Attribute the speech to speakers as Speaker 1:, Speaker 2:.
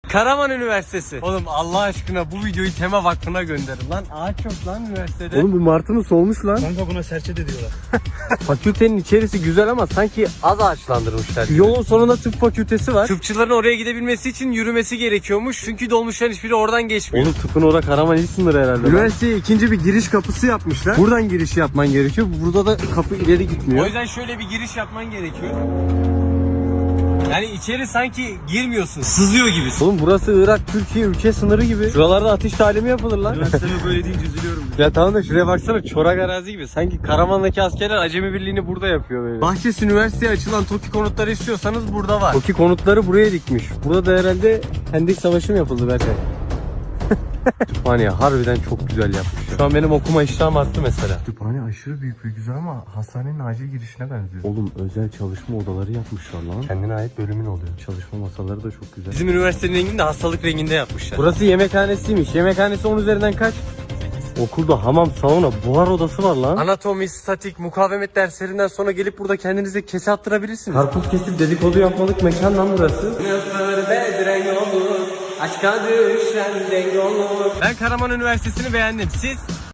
Speaker 1: Karaman Üniversitesi. Oğlum Allah aşkına bu videoyu Tema Vakfı'na gönderin lan. Ağaç yok lan üniversitede.
Speaker 2: Oğlum bu martımız solmuş lan.
Speaker 3: Kanka buna serçe de diyorlar.
Speaker 1: Fakültenin içerisi güzel ama sanki az ağaçlandırmışlar.
Speaker 2: Yolun sonunda tıp fakültesi var.
Speaker 1: Tıpçıların oraya gidebilmesi için yürümesi gerekiyormuş. Çünkü dolmuşların hiçbiri oradan geçmiyor.
Speaker 2: Oğlum tıpın orada Karaman il sınırı herhalde. Üniversiteye ikinci bir giriş kapısı yapmışlar. Buradan giriş yapman gerekiyor. Burada da kapı ileri gitmiyor.
Speaker 1: O yüzden şöyle bir giriş yapman gerekiyor. Yani içeri sanki girmiyorsun, sızıyor gibisin.
Speaker 2: Oğlum burası Irak, Türkiye ülke sınırı gibi. Şuralarda atış talimi yapılır lan.
Speaker 3: Üniversiteme böyle deyince üzülüyorum.
Speaker 2: Ya tamam da şuraya baksana, çorak arazi gibi. Sanki Karaman'daki askerler acemi birliğini burada yapıyor böyle.
Speaker 1: Bahçesi Üniversitesi'ye açılan TOKİ konutları istiyorsanız burada var.
Speaker 2: TOKİ konutları buraya dikmiş. Burada da herhalde Hendek Savaşı mı yapıldı Berkay? Kütüphane harbiden çok güzel yapmış. Şu an benim okuma iştahım arttı mesela.
Speaker 3: Kütüphane aşırı büyük ve güzel ama hastanenin acil girişine benziyor.
Speaker 2: Oğlum özel çalışma odaları yapmışlar lan. Kendine ait bölümün oluyor. Çalışma masaları da çok güzel.
Speaker 1: Bizim üniversitenin rengini de hastalık renginde yapmışlar.
Speaker 2: Burası yemekhanesiymiş. Yemekhanesi 10 üzerinden kaç? Okulda hamam, sauna, buhar odası var lan.
Speaker 1: Anatomi, statik, mukavemet derslerinden sonra gelip burada kendinize kese attırabilirsiniz.
Speaker 2: Karpuz kesip dedikodu yapmalık mekan lan burası.
Speaker 1: Ben Karaman Üniversitesi'ni beğendim. Siz?